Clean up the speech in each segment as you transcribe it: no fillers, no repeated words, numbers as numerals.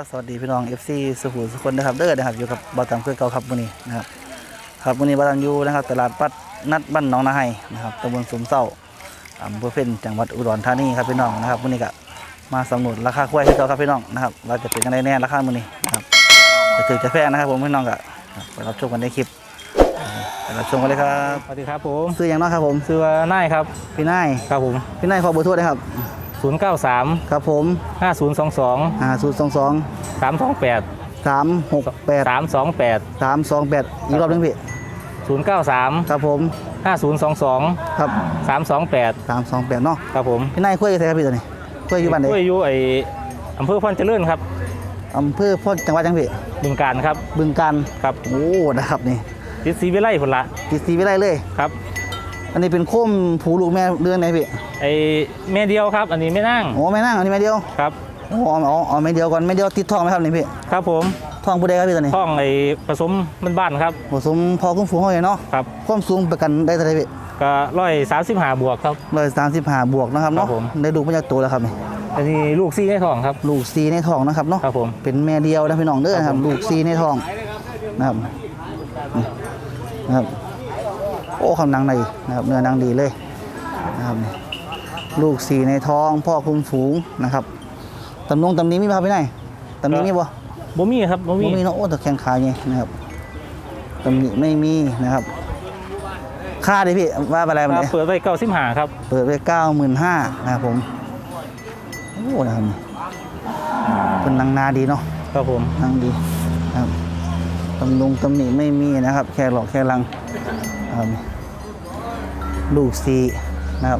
สวัสดีพี่น้อง FC สุขุมสุขคนนะครับเด้อนะครับอยู่กับบอตัมเพื่อเก่าครับวันนี้นะครับครับวันนี้บอตัมอยู่นะครับตลาดปัดนัดบ้านหนองนาไฮนะครับตำบลสุมเศร้าอำเภอเพ็ญจังหวัดอุดรธานีครับพี่น้องนะครับวันนี้ก็มาสำรวจราคากล้วยให้เราครับพี่น้องนะครับเราจะเป็นยังไงแน่ราคาวันนี้นะครับจะถือจะแพงนะครับผมพี่น้องก็ไปรับชมกันในคลิปไปรับชมกันเลยครับสวัสดีครับผมซื้ออย่างน้อยครับผมชื่อว่านายครับพี่นายครับผมพี่นายขอเบอร์โทรได้ครับ 093 ครับผม 5022 022 328 368 328 328อีกรอบหนึงพี่ 093 ครับผม 5022 ครับ 328 328เนาะครับผมพี่นายคุยกับใครครับพี่ตัวนี้คุยอยู่บ้านไหนช่วยอยู่อำเภอพรเจริญครับอำเภอพ่อจังหวัดจังพี่บึงการครับบึงกาฬครับโอ้นะครับนี่ทิศศรีวิไลพุ่นละติดสีไม่ได้เลยครับอันนี้เป็นโคมผูลูกแม่เดือนไหนพี่แม่เดียวครับอันนี้ไม่นั่งโอ้แม่นั่งอันนี้แม่เดียวครับโอ้อ๋อแม่เดียวก่อนแม่เดียวติดทองไหมครับนี่พี่ครับผมทองผู้ใดครับพี่ตัวนี้ท้องผสมบ้านๆครับผสมพอคุ้มฟูงเขาเลยเนาะครับความสูงประกันได้เท่าไหร่พี่ก็135 บวกครับ 135บวกนะครับเนาะครับผมได้ดูมาจากตัวแล้วครับนี่อันนี้ลูกซี่ให้ท้องครับลูกซีในทองนะครับเนาะครับผมเป็นแม่เดียวนะพี่น้องเด้อนะครับลูกซีในทองนะครับนี่นะครับโอ้คำนางในนะครับเนื้อนางดีเลยนะครับนี่ลูกซีในท้องพ่อคุมฝูงนะครับตำนี้มีไหมครับพี่นายตำนี้มีบ่บ่มีครับบ่มีมีเนาะโอ้แต่แข้งขาไงนะครับตำนี้ไม่มีนะครับค่าดิพี่ว่าอะไรมันเนี่ยเปิดไว้95ครับเปิดไป95,000นะครับผมโอ้นะครับนี่เป็นนางนาดีเนาะครับผมนางดีนะครับตำหนิไม่มีนะครับ แค่หลอกแค่ลังนะครับลูกซีนะครับ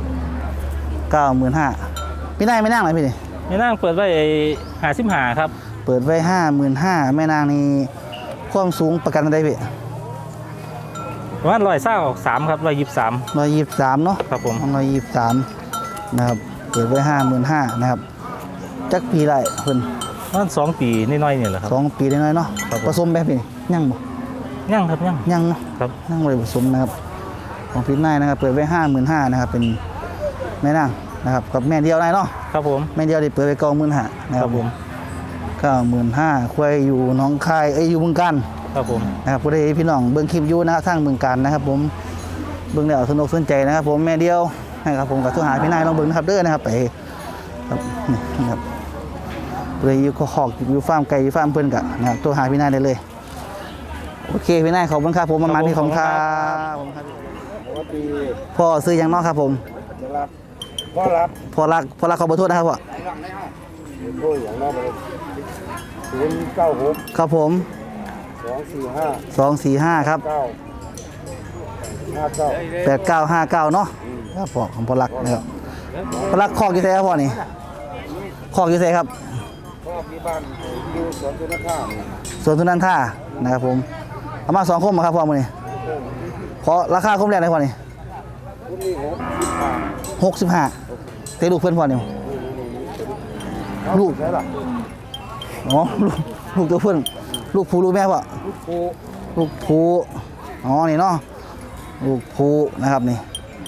95,000พี่นายไม่นั่งเลยพี่นี่แม่นางเปิดไว้55ครับเปิดไว้55,000แม่นางนี่ความสูงประกันอะไรพี่ประมาณ123ครับ123 123เนาะครับผม 123นะครับเปิดไว้55,000นะครับจักปีได้เพิ่นประมาณ2 ปีน้อยๆนี่แหละครับ 2 ปีได้น้อยเนาะครับผมผสมแบบนี้ยังบ่ยังครับยังยังเนาะครับนั่งเลยผสมนะครับของพี่นายนะครับเปิดไว้55,000นะครับเป็นแม่นางนะครับกับแม่เดียวนายเนาะครับผมแม่เดียวได้เปิดไว้95,000นะคครัรับบผม 95,000ควายอยู่หนองคายอยู่บึงกาฬครับผมนะครับผู้ใดพี่น้องเบิ่งคลิปอยู่นะครับทางบึงกาฬนะครับผมเบิ่งแล้วสนุกสนใจนะครับผมแม่เดียวนะครับผมกับโทรหาพี่นายลองเบิ่งนะครับเด้อนะครับไปครับนี่นะครับผู้ใดอยู่ขอกอยู่ฟาร์มไก่อยู่ฟาร์มเพิ่นกะนะครับโทรหาพี่นายได้เลยโอเคพี่นายขอบคุณครับผมประมาณนี้ขอบคุณครับพ่อซื้อยังนอกครับผมพ่อรับพ่อรักขอเบอร์โทษนะครับพ่อโอ้ยอย่างนั้นเลย096 ครับผม 245 245ครับ 8959เนาะครับพ่อของพ่อรักนะครับพ่อรักคอกอยู่ไสครับพ่อนี่คอกอยู่ไสครับพ่อมีบ้านอยู่สวนตุนข้ามสวนทุนันท่านะครับผมเอามา2คมครับพ่อมื้อนี้ขอราคาคมแรกได้พ่อนี่คุณนี่ 65เตะลูกเพิ่นพ่อนี่ลูกใช่หรออ๋อลูกตัวเพิ่นลูกผู้ลูกแม่พ่อกูลูกผูอ๋อ นี่เนาะ ลูกผูนะครับนี่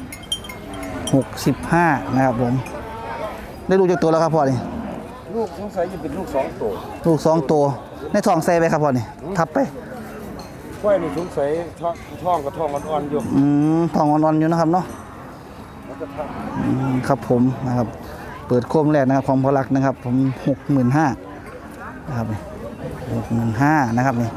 65นะครับผม ได้ลูกจากตัวแล้วครับพ่อนี่ลูกสงสัยจะเป็นลูก2ตัวลูก2ตัว ในท้องใส่ไปครับพ่อนี่ ทับไปค่อยนี่สงสัยท้องกับท้องอ่อนๆอยู่ท้องอ่อนๆอยู่นะครับเนาะมันจะทครับผมนะครับ เปิดโคมแรกนะครับของพอลักนะครับ ผม65,000นะครับนี่65,000นะครับนี่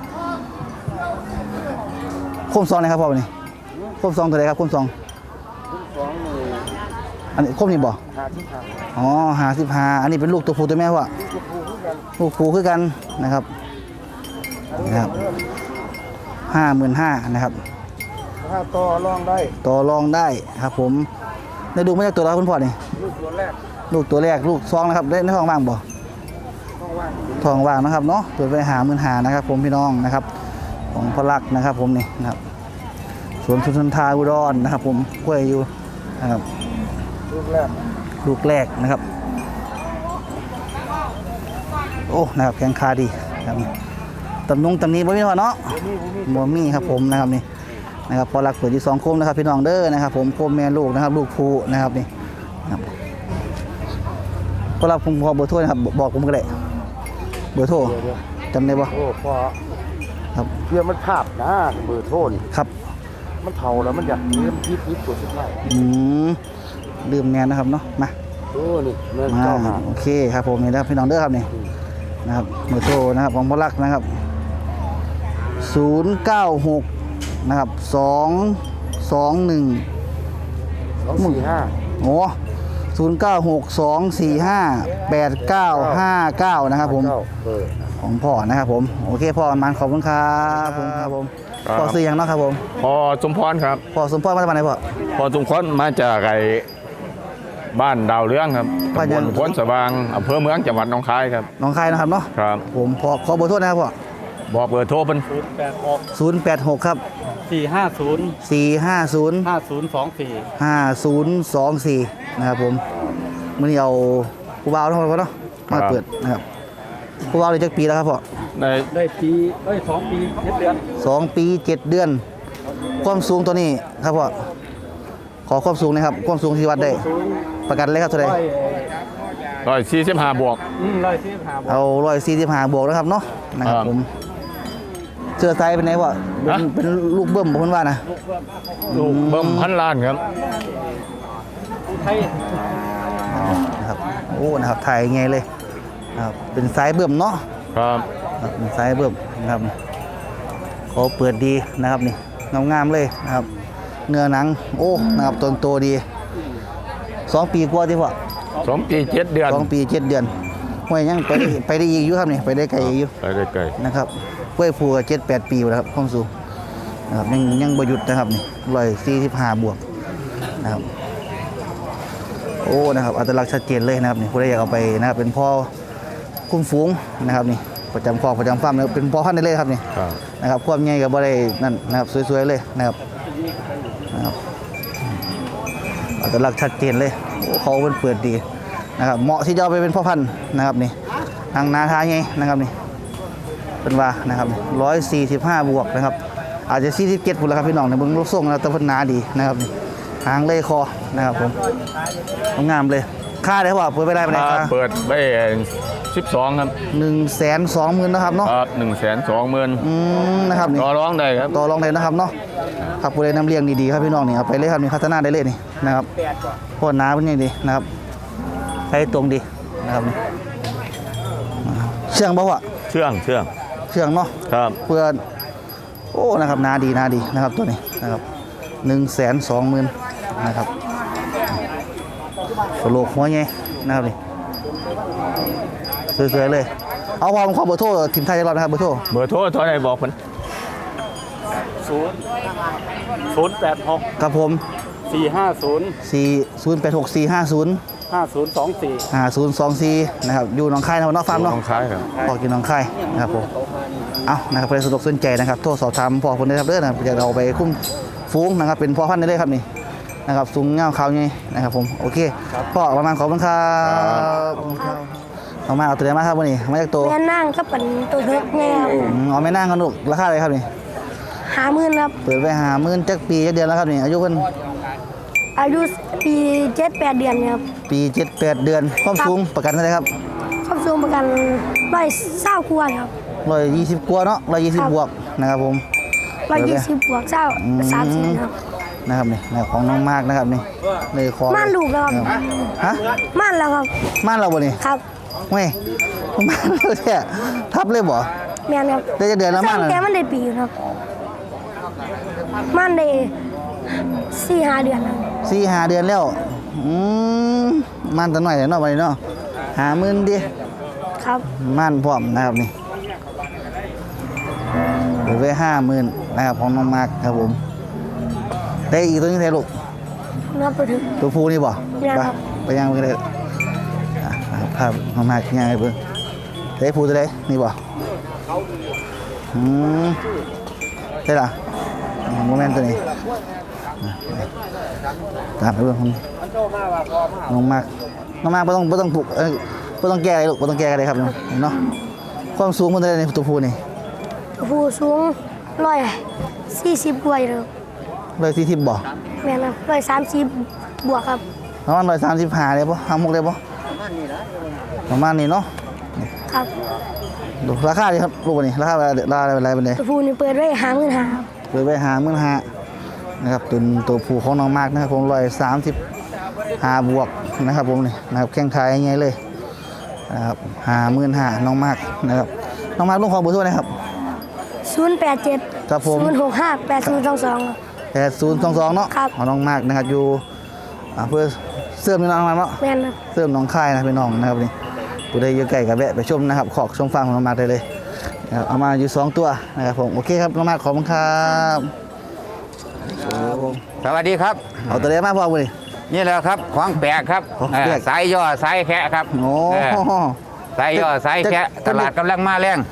โคมซองนะครับพ่อนี่โคมซองตัวไหนครับโคมซองำ2นี่อันนี้โคมนี่บ่ 55 อ๋อ55อันนี้เป็นลูกตัวผู้ตัวแม่พ่อลูกกูคือกันลูกผูคือกันนะครับนะครับ55,000นะครับถ้าต่อรองได้ต่อรองได้ครับผมได้ดูมาจากตัวเราคุณพ่อนี่ลูกตัวแรกลูกตัวแรกลูกซองนะครับได้ในท้องว่างบ่ต้องว่างท้องว่างนะครับเนาะเปิดไป55,000นะครับผมพี่น้องนะครับของพลักนะครับผมนี่นะครับสวนสุนทราอุดรนะครับผมกล้วยอยู่นะครับลูกแรกลูกแรกนะครับโอ้นะครับแข็งขาดีครับตำนี้บ่มีพ่อเนาะ บ่มีครับผมนะครับนี่นะครับพอรักเปิดอยู่2โคมนะครับพี่น้องเด้อนะครับผมโคมแม่ลูกนะครับลูกผู้นะครับนี่นะครับพอรักผมขอเบอร์โทรนะครับบอกผมก็ได้เบอร์โทรเดี๋ยวจำได้บ่โอ้พอครับเรื่องมันภาพนะเบอร์โทรนี่ครับมันเท่าแล้วมันอยากเริ่มพิษตัวสุดท้ายลืมแนนนะครับเนาะมาโอ้นี่แม่นมาเจ้าหาโอเคครับผมนี่นะครับพี่น้องเด้อครับนี่นะครับเบอร์โทรนะครับของพ่อรักนะครับ096นะครับ221 245 โอ้0962458959นะครับผมเออของพ่อนะครับผมโอเคพ่อมันขอบคุณครับผมครับผมครับพ่อซื้อยังเนาะครับผมพอสมพรครับพ่อสมพรมาจากไหนพ่อพอสมพรมาจากไอ้บ้านดาวเรืองครับบ้านตำบยังลพนสว่างอำเภอเมืองจังหวัดหนองคายครับน้องคายนะครับเนาะครับผมขอเบอร์โทรนะครับพ่อบอกเบอร์โทรเป็น 086ครับ 450 450 5024 5024นะครับผมมื่อนี้เอาผู้บ่าวทั้งหมดเนาะมาเปิดนะครับผู้บ่าวเลยจักปีแล้วครับพ่อในได้ปี2 ปี 7 เดือน 2 ปี 7 เดือน ความสูงตัวนี้ครับพ่อขอความสูงนะครับความสูงที่วัดได้ประกันเลยครับเท่าไหร่ 145บวก 145 เอา145บวกนะครับเนาะนะครับครับผมเสื้อไซส์เป็นไงพ่อเป็นฮะเป็นลูกเบิ้มบอกเพิ่นว่านะลูกเบิ่มพันล้านครับไทยนะครับโอ้นะครับถ่ายไงเลยนะครับเป็นไซส์เบิ้มเนาะครับครับเป็นไซส์เบิ้มนะครับขอเปิดดีนะครับนี่งามๆเลยนะครับเนื้อหนังโอ้นะครับต้นโตดี2 ปีกว่าที่พ่อ 2 ปี 7 เดือน 2 ปี 7 เดือนห้วยยังไปได้อีกอยู่ครับนี่ไปได้ไกลอีกอยู่ไปได้ไกลนะครับห้วยภูก็7-8 ปีแล้วครับความสูงนะครับยังบ่หยุดนะครับนี่145บวกนะครับโอ้นะครับอัตลักษณ์ชัดเจนเลยนะครับนี่ผู้ใดอยากเอาไปนะครับเป็นพ่อคุ้มฝูงนะครับนี่ประจำคอกประจำฟาร์มนะครับเป็นพ่อพันธุ์ได้เลยครับนี่ครับนะครับความใหญ่กับบ่ได้นั่นนะครับสวยๆเลยนะครับอัตลักษณ์ชัดเจนเลยโอ้เขาเป็นเปิดดีนะครับเหมาะที่จะเอาไปเป็นพ่อพันธุ์นะครับนี่ทางนาทาไงนะครับนี่เป็นว่านะครับ145บวกนะครับอาจจะ47พุ่นแล้วครับพี่น้องในเบิ่งรูปทรงแล้วแต่เพิ่นหนาดีนะครับนี่หางเลยคอนะครับผมงามเลยค่าได้ว่าเปิดไปได้ไหมถ้าครับเปิดไป12ครับ 120,000นะครับเนาะครับ120,000 นะครับนี่ต่อรองได้ครับต่อรองเลยนะครับเนาะครับผู้ใดนำเลี้ยงดีๆครับพี่น้องนี่เอาไปเลยครับนี่พัฒนาได้เลยนี่นะครับพ่อหนาเป็นยังดีนะครับให้ตรงดีนะครับนี่เชื่องบ่วะเชื่องเชื่องเนาะครับเพื่อนโอ้นะครับหนาดีนะครับตัวนี้นะครับ120,000นะครับกระโหลกหัวไงนะครับนี่สวยๆเลยเอาความขอเบอร์โทรทีมไทยจะรอดนะครับเบอร์โทรเบอร์โทรเท่าไหร่บอกเพิ่น 086 ครับผม 450 086 450 5024 5024นะครับอยู่หนองคายนะครับนอกฟาร์มหนเนาะองคายครับพอกินหนองคายนะครับผมเอานะครับใครสะดวกสนใจนะครับโทรสอบถามพ่อคนได้ครับเด้อนะครับอยากเอาไปคุ้มฟูงนะครับเป็นพ่อพันธุ์ได้เลยครับนี่นะครับสูงเงาขาวไงนะครับผมโอเคพ่อประมาณขอบคุณครับเอามาเอาตัวไหนมาครับวันนี้มาจากตัวแม่นั่งก็เป็นตัวเล็กไงครับเอาไม่นั่งกันลูกราคาอะไรครับนี่ 50,000ครับเปิดไป50,000จักปีจักเดือนแล้วครับนี่อายุเพิ่นอายุปี7-8 เดือนครับปี7-8 เดือนความสูงประกันเท่าไหร่ครับความสูงประกัน120กว่าครับ 120กว่าเนาะ120บวกนะครับผม 120บวก30ครับนะครับนี่นะครับของน้องมากนะครับนี่เลยคอม่านลูกแล้วครับฮะม่านแล้วครับม่านเราบ่นี่ครับเว้ยม่านเราแท้ทับเลยบ่แม่นครับได้จะเดือนแล้วม่านแต่มันได้ปีอยู่ครับม่านได้4-5 เดือนครับ 4-5 เดือนแล้วม่านตัวหน่อยเนาะบัดนี้เนาะ50,000ดิครับม่านพร้อมนะครับนี่เปิดไว้50,000นะครับของน้องมากครับผมได้อีกตัวนึงไทยลูกนับไปถึงตัวผู้นี่บ่ยังครับไปยังไปเลยครับน้องมากยังไงเบิ่งได้ผู้ตัวใดนี่บ่ใช่ล่ะโมเมนต์ตัวนี้ตามไปเบิ่งน้องมากไม่ต้องปลุกไม่ต้องแก้อะไรลูกไม่ต้องแก้อะไรครับเนาะความสูงมันเท่าไหร่ในตัวผู้นี่ผู้สูง140กว่าอยู่ครับ 140บ่แม่นครับ130บวกครับประมาณ135เลยบ่56เลยบ่ประมาณนี้เนาะครับดูราคาดีครับลูกนี่ราคาอะไรเป็นไงตัวผู้นี่เปิดไว้50,000ครับเปิดไว้55,000นะครับตัวผู้ของน้องมากนะครับผม135บวกนะครับผมนี่นะครับแข้งขาใหญ่เลยนะครับ55,000น้องมากนะครับน้องมากลูกของเบอร์โทรนะครับ 087 ครับผม 065 8022 8022เนาะครับของน้องมากนะครับอยู่เพื่อเสื่อมน้องมาเนาะแม่นครับเสื่อมน้องค่ายนะพี่น้องนะครับนี่ผู้ใดอยู่ใกล้กับแวะไปชมนะครับขอกชมฟังของน้องมากได้เลยนะครับเอามาอยู่2ตัวนะครับผมโอเคครับน้องมากขอบคุณครับครับผมสวัสดีครับเอาตัวเล็กมาพอเลยนี่แหละครับของแปลกครับของแปลกสายย่อสายแคะครับโอ้เออสายย่อสายแคะตลาดกำลังมาแรง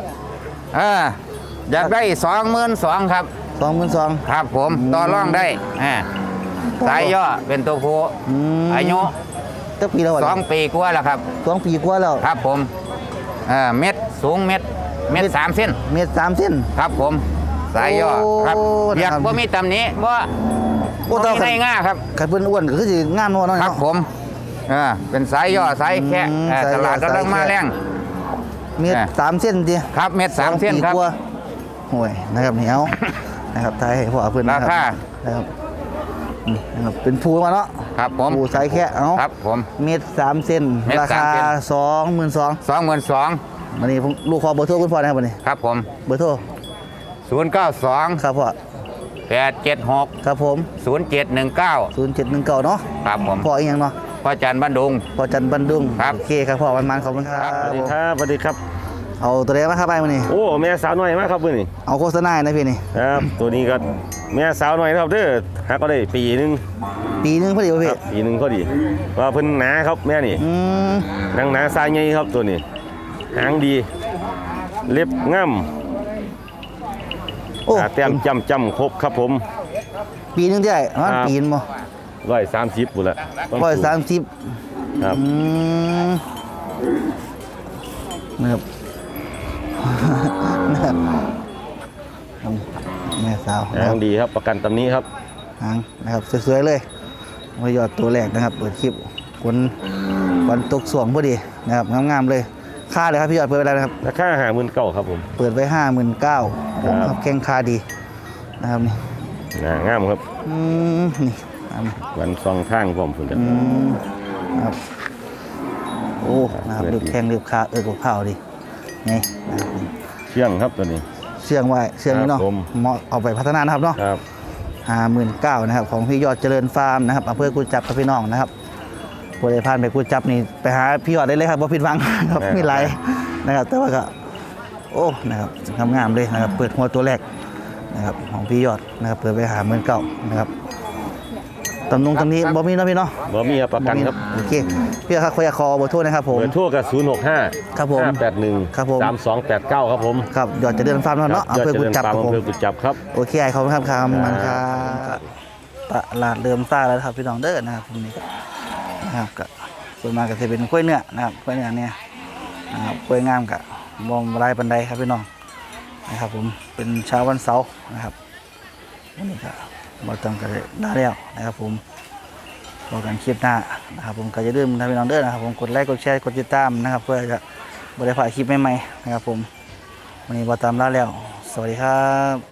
อยากได้22,000ครับ 22,000 ครับผมต่อรองได้สายย่อเป็นตัวผู้อายุตั้งปีแล้ว 2 ปีกว่าแล้วครับ 2 ปีกว่าแล้วครับผมเม็ดสูงเม็ด3 เส้นเมตร3เส้นครับผมสายย่อครับโอ้เรียกนะครับว่ามีตำหนี้ว่าโอ้มีแต่ในง่าครับขันเพิ่นอ้วนก็คือสิงานนัวเนาะครับผมเป็นสายย่อสายแคะสายย่อตลาดกำลังมาสายแคะแรงเมตร3เส้นติครับเม็ด3 เส้นครับปีกว่าโอ้ยนะครับเหนียวนะครับทายให้พ่อเพิ่นนะราคานะครับนี่นะครับเป็นภูมาเนาะครับผมภูสายแค่เอาครับผมเมตร3เส้นเมตรราคา 3เส้น 22,000 22,000 วันนี้ผมลูกขอเบอร์โทรคุณพ่อนะครับวันนี้ครับผมเบอร์โทร 092 ครับพ่อ 876 ครับผม 0719 0719เนาะครับผมพ่ออีกอย่างเนาะพ่อจันทร์บ้านดุงพ่อจันทร์บันดุงครับโอเคครับพ่อมันขอบคุณครับสวัสดีครับสวัสดีครับเอาตัวเล็กมาครับไปวันนี้โอ้แม่สาวน้อยมากครับเพื่อนนี่เอาโฆษณาให้นะพี่นี่ครับตัวนี้ก็แม่สาวน้อยนะครับเด้อหาก็ได้ปีหนึงปีนึงพอดีวะคพี่รับปีหนึงพอดีว่าเพิ่นหนาครับแม่นี่อืมนางหนาสายใหญ่ครับตัวนี้หางดี เล็บงามโอ้แต้มจำครบครับผมปีนึงได้ประมาณครับปีนบ่ 130บุนละ 130 ครับนะครับ นะครับแม่สาวนะหาครังบดีครับประกันตำนี้ครับหางนะครับสวยๆเลยมายอดตัวแรกนะครับเปิดคลิปวันตกสวงพอดีนะครับงามๆเลยค่าเลยครับพี่ยอดเปิดไปแล้วนะครับราคา59,000ครับผมเปิดไว้59,000ครับแข้งคาดีนะครับนี่งามครับนี่ครับวันซองข้างพร้อมพุ่นกันครับโอ้นะครับเรียบแข้งเรียบขากับข้าวดีนี่นะครับนี่เชื่องครับตัวนี้เชื่องไว้เชื่องนี่เนาะครับผมเหมาะเอาไปพัฒนานะครับเนาะครับ 59,000นะครับของพี่ยอดเจริญฟาร์มนะครับอำเภอกุจจับกับพี่น้องนะครับผู้ใดผ่านไปกุจจับนี่ไปหาพี่ยอดได้เลยครับว่าผิดหวังครับมีหลายนะครับแต่ว่าก็โอ้นะครับงามๆเลยนะครับเปิดหัวตัวแรกนะครับของพี่ยอดนะครับเปิดไป59,000นะครับตำนี้บ่มีเนาะพี่เนาะบ่มีครับประกันครับโอเคพี่ครับขออยากขอเบอร์โทรนะครับผมเบอร์โทรกับ065 ครับผม 581 ครับผม 3289ครับผมครับยอดเจริญฟาร์มเนาะอำเภอกุจจับครับผมอำเภอกุจจับครับโอเคขอบคุณครับครับมันครับตลาดเริ่มซ่าแล้วครับพี่น้องเด้อนะครับตรงนี้นะครับก็ส่วนมากก็จะเป็นกล้วยเนื้อนะครับกล้วยเนื้อเนี่ยนะครับกล้วยงามกับมองลายปันไดครับพี่น้องนะครับผมเป็นเช้าวันเสาร์นะครับวันนี้ก็มาจำกันได้แล้วนะครับผมรอกันคลิปหน้านะครับผมก็จะลืมนะพี่น้องเด้อนะครับผมกดไลค์กดแชร์กดติดตามนะครับเพื่อจะบริพลาดคลิปใหม่ๆนะครับผมวันนี้บอตามลาแล้วสวัสดีครับ